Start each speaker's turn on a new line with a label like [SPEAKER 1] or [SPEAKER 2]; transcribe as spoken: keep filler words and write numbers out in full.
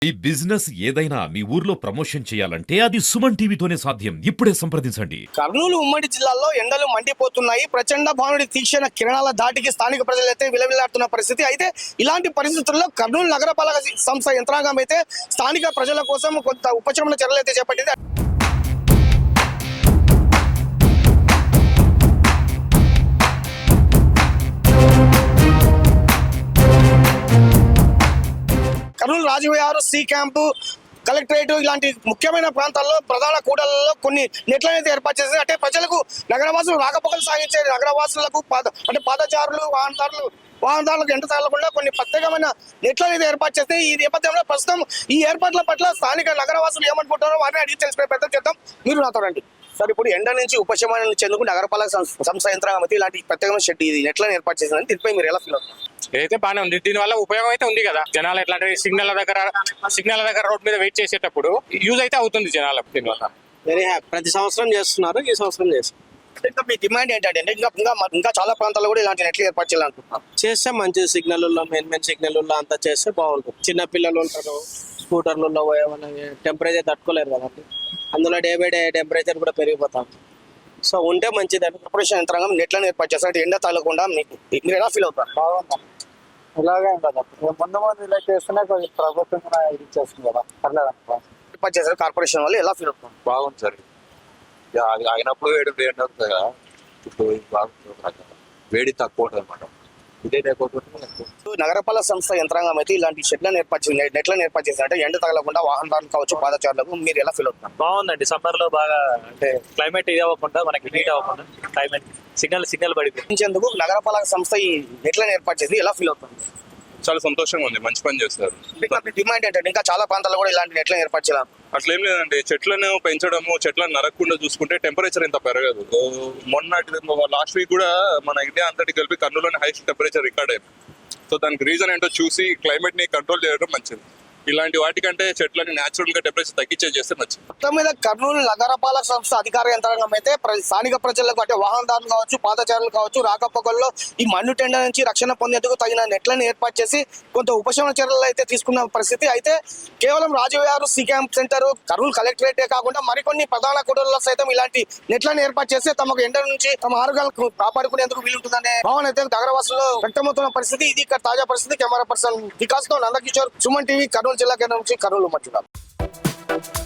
[SPEAKER 1] ఈ బిజినెస్ ఏదైనా మీ ఊర్లో ప్రమోషన్ చేయాలంటే అది సుమన్ టీవీతోనే సాధ్యం. ఇప్పుడే సంప్రదించండి.
[SPEAKER 2] కర్నూలు ఉమ్మడి జిల్లాలో ఎండలు మండిపోతున్నాయి. ప్రచండ భానుడి తీక్షణ కిరణాల ధాటికి స్థానిక ప్రజలైతే విలవిలాడుతున్న పరిస్థితి. అయితే ఇలాంటి పరిస్థితుల్లో కర్నూలు నగరపాలక సంస్థ యంత్రాంగం అయితే స్థానిక ప్రజల కోసం కొంత ఉపశమన చర్యలు అయితే చేపట్టింది. Kurnool Rajvihar C camp collectorate ఇలాంటి ముఖ్యమైన ప్రాంతాల్లో ప్రధాన కూడళ్లలో కొన్ని నెట్లను అయితే ఏర్పాటు చేసింది. అంటే ప్రజలకు నగరవాసులు రాకపోకలు సాగించే నగరవాసులకు పాద అంటే పాదచారులు వాహనదారులు వాహనదారులకు ఎంట తగలకుండా కొన్ని ప్రత్యేకమైన నెట్లను అయితే ఏర్పాటు చేస్తే ఈ నేపథ్యంలో ప్రస్తుతం ఈ ఏర్పాట్ల పట్ల స్థానిక నగరవాసులు ఏమనుకుంటారో వారిని అడిగి తెలిసిపోయే ప్రయత్నం చేద్దాం. మీరు నాతో రండి సార్. ఇప్పుడు ఎండ నుంచి ఉపశమనం చెందుకు నగరపాలక సంస్థ యంత్రాంగం అయితే ఇలాంటి ప్రత్యేకమైన షెడ్ ఇది నెట్లను ఏర్పాటు చేసిందని దీనిపై మీరు ఎలా ఫీల్ అవుతారు?
[SPEAKER 3] ఏదైతే బాగానే ఉంది. దీని వల్ల ఉపయోగం అయితే ఉంది కదా. జనాలు ఎట్లా అంటే సిగ్నల్ దగ్గర సిగ్నల్ దగ్గర రోడ్ మీద వెయిట్ చేసేటప్పుడు యూజ్ అయితే అవుతుంది జనాలకు. దీనివల్ల
[SPEAKER 4] వెరీ హ్యాపీ. ప్రతి సంవత్సరం చేస్తున్నారు, ఈ సంవత్సరం చేస్తున్నారు.
[SPEAKER 2] ఇంకా మీ డిమాండ్ ఏంటంటే ఇంకా ఇంకా ఇంకా చాలా ప్రాంతాల్లో కూడా ఇలాంటి నెట్లు ఏర్పాటు చేయాలనుకుంటున్నారు.
[SPEAKER 4] చేస్తే మంచి సిగ్నల్లో మెయిన్ మెయిన్ సిగ్నల్లో అంతా చేస్తే బాగుంటుంది. చిన్న పిల్లలు ఉంటారు, స్కూటర్లలో పోయేమన్నా టెంపరేచర్ తట్టుకోలేరు కదండి. అందులో డే బై డే టెంపరేచర్ కూడా పెరిగిపోతాం. సో ఉంటే మంచిదని
[SPEAKER 2] కార్పొరేషన్ యంత్రాంగం నెట్లను ఏర్పాటు చేస్తారు. ఎండ తగలకుండా మీకు మీరు ఎలా ఫీల్ అవుతారు?
[SPEAKER 5] బాగుందా? ఇలాగే కదా ముందు ముందు ఇలా చేస్తేనే కొంచెం ప్రభుత్వం కూడా ఇది చేస్తుంది కదా. పర్లేదు
[SPEAKER 2] ఏర్పాటు చేశారు కార్పొరేషన్ వాళ్ళు ఎలా ఫీల్ అవుతారు?
[SPEAKER 6] బాగుంది సార్. అది అయినప్పుడు వేడి వేడి అవుతుంది కదా. ఇప్పుడు బాగుంటుంది, వేడి తక్కువ ఉంటుంది అనమాట. ఇదే లేకపోతే
[SPEAKER 2] నగరపాలక సంస్థ యంత్రాంగం అయితే ఇలాంటి షెడ్లను ఏర్పాటు చేసి నెట్లను ఏర్పాటు చేసినట్టే ఎండ తగలకుండా వాహనదారులు కావచ్చు పాదచారులకు మీరు ఎలా ఫీల్ అవుతున్నారు?
[SPEAKER 7] బాగుందండి. సమ్మర్ లో బాగా అంటే క్లైమేట్ ఇది అవ్వకుండా మనకి హీట్ అవ్వకుండా క్లైమేట్ సిగ్నల్ సిగ్నల్ పడిపోయింది.
[SPEAKER 2] ఎందుకు నగరపాలక సంస్థ ఈ నెట్లను ఏర్పాటు చేసి ఎలా ఫీల్ అవుతుంది?
[SPEAKER 6] చాలా సంతోషంగా ఉంది, మంచి పని చేస్తారు.
[SPEAKER 2] డిమాండ్ ఏంటంటే ఇంకా చాలా ప్రాంతాల్లో కూడా ఇలాంటి నెట్లను ఏర్పాటు చేయాలి.
[SPEAKER 6] అట్లేం లేదండి, చెట్లను పెంచడము, చెట్లను నరకకుండా చూసుకుంటే టెంపరేచర్ ఇంత పెరగదు. మొన్నటి లాస్ట్ వీక్ కూడా మన ఇండియా అంతటి కలిపి కర్నూలులోని హైయెస్ట్ టెంపరేచర్ రికార్డ్ అయింది. సో దానికి రీజన్ ఏంటో చూసి క్లైమేట్ ని కంట్రోల్ చేయడం మంచిది. ఇలాంటి వాటికంటే చెట్లని న్యాచురల్ గా టెంపరేచర్ తగ్గించే చేస్తే మంచిది.
[SPEAKER 2] మొత్తం మీద కర్నూలు నగరపాలక సంస్థ అధికార యంత్రాంగం అయితే స్థానిక ప్రజలకు అంటే వాహనదారులు కావచ్చు పాదచారులు కావచ్చు రాకపోకల్లో ఈ మన్ను టెండ నుంచి రక్షణ పొందేందుకు తగిన నెట్లను ఏర్పాటు చేసి కొంత ఉపశమన చర్యలు అయితే తీసుకున్న పరిస్థితి. అయితే కేవలం Rajvihar C camp center Kurnool కలెక్టరేటే కాకుండా మరికొన్ని ప్రధాన కూడళ్లలో సైతం ఇలాంటి నెట్లను ఏర్పాటు చేస్తే తమకు ఎండ నుంచి తమ ఆరోగ్యాలకు కాపాడుకునేందుకు వీలుంటుందనే భావన అయితే నగరవాసుల్లో వ్యక్తమవుతున్న పరిస్థితి. ఇది ఇక్కడ తాజా పరిస్థితి. కెమెరా పర్సన్ వికాస్ తో నందకిషోర్, సుమన్ టీవీ, కర్నూలు జిల్లా కేంద్రం నుంచి కర్నూలు మధ్య.